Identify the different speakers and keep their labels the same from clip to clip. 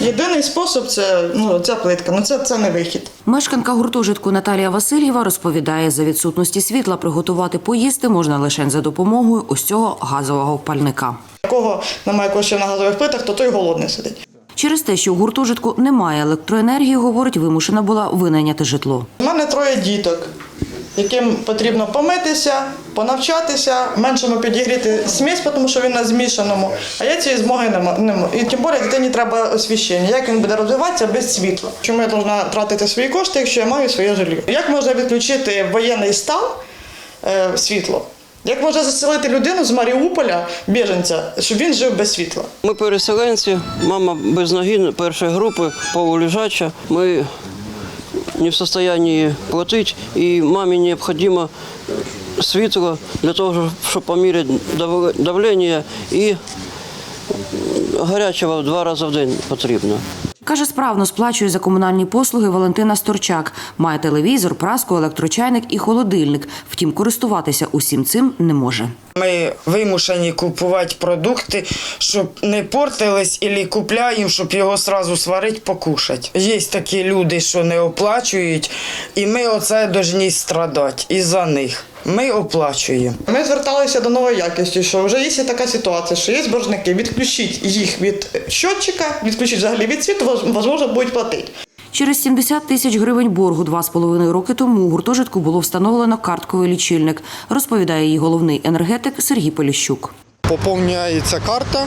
Speaker 1: Єдиний спосіб – це ця плитка, це не вихід.
Speaker 2: Мешканка гуртожитку Наталія Васильєва розповідає, за відсутності світла приготувати поїсти можна лише за допомогою ось цього газового пальника.
Speaker 1: Кого немає коштів на газових плитах, то той голодний сидить.
Speaker 2: Через те, що у гуртожитку немає електроенергії, говорить, вимушена була винайняти житло.
Speaker 1: У мене 3 діток, яким потрібно помитися, понавчатися, меншому підігріти смісь, тому що він на змішаному, а я цієї змоги не маю. І тим більше дитині треба освіщення. Як він буде розвиватися без світла? Чому я повинна тратити свої кошти, якщо я маю своє житло? Як можна відключити в воєнний стан світло? Як можна заселити людину з Маріуполя, біженця, щоб він жив без світла?
Speaker 3: Ми переселенці, мама без ноги, першої групи, полулежача. Ми не в стані платити, і мамі необхідно світло для того, щоб поміряти давлення, і гарячого 2 рази в день потрібно.
Speaker 2: Каже, справно сплачує за комунальні послуги Валентина Сторчак. Має телевізор, праску, електрочайник і холодильник. Втім, користуватися усім цим не може.
Speaker 4: Ми вимушені купувати продукти, щоб не портились, або купляємо, щоб його одразу сварити, покушати. Є такі люди, що не оплачують, і ми оце повинні страдати із-за них. Ми оплачуємо.
Speaker 1: Ми зверталися до нової якості, що вже є така ситуація, що є боржники, відключіть їх від щотчика, відключіть взагалі від світу, можливо, будуть платити.
Speaker 2: Через 70 тисяч гривень боргу 2,5 роки тому у гуртожитку було встановлено картковий лічильник, розповідає її головний енергетик Сергій Поліщук.
Speaker 5: Поповнюється карта,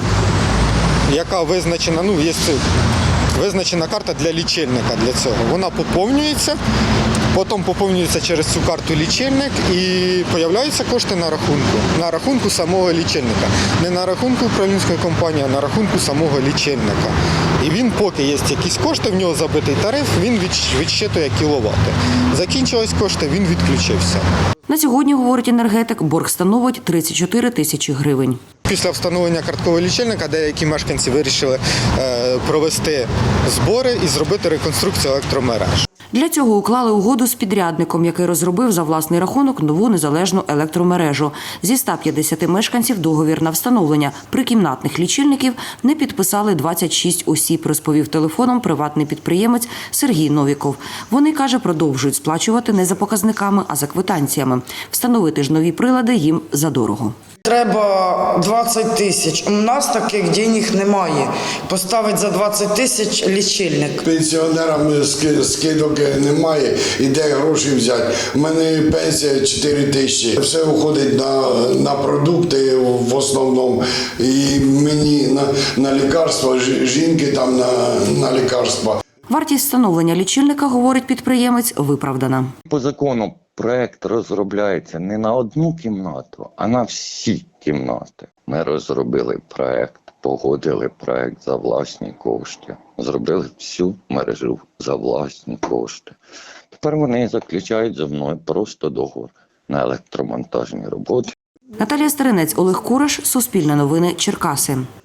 Speaker 5: яка визначена, є визначена карта для лічильника для цього. Вона поповнюється, потім поповнюється через цю карту лічильник і з'являються кошти на рахунку самого лічильника. Не на рахунку управлінської компанії, а на рахунку самого лічильника. І він, поки є якісь кошти, в нього забитий тариф, він відсчитує кіловати. Закінчились кошти, він відключився.
Speaker 2: На сьогодні, говорить енергетик, борг становить 34 тисячі гривень.
Speaker 5: Після встановлення карткового лічильника деякі мешканці вирішили провести збори і зробити реконструкцію електромереж.
Speaker 2: Для цього уклали угоду з підрядником, який розробив за власний рахунок нову незалежну електромережу. Зі 150 мешканців договір на встановлення прикімнатних лічильників не підписали 26 осіб, розповів телефоном приватний підприємець Сергій Новіков. Вони, каже, продовжують сплачувати не за показниками, а за квитанціями. Встановити ж нові прилади їм задорого.
Speaker 4: Треба 20 тисяч. У нас таких денег немає. Поставити за 20 тисяч лічильник.
Speaker 6: Пенсіонерам скидок немає, і де гроші взяти. У мене пенсія 4 тисячі. Все уходить на продукти в основному. І мені на лікарства, жінки там на лікарства.
Speaker 2: Вартість встановлення лічильника, говорить підприємець, виправдана.
Speaker 7: По закону проект розробляється не на одну кімнату, а на всі кімнати. Ми розробили проект, погодили проект за власні кошти, зробили всю мережу за власні кошти. Тепер вони заключають зі мною просто договір на електромонтажні роботи.
Speaker 2: Наталія Старинець, Олег Кураш, Суспільне новини, Черкаси.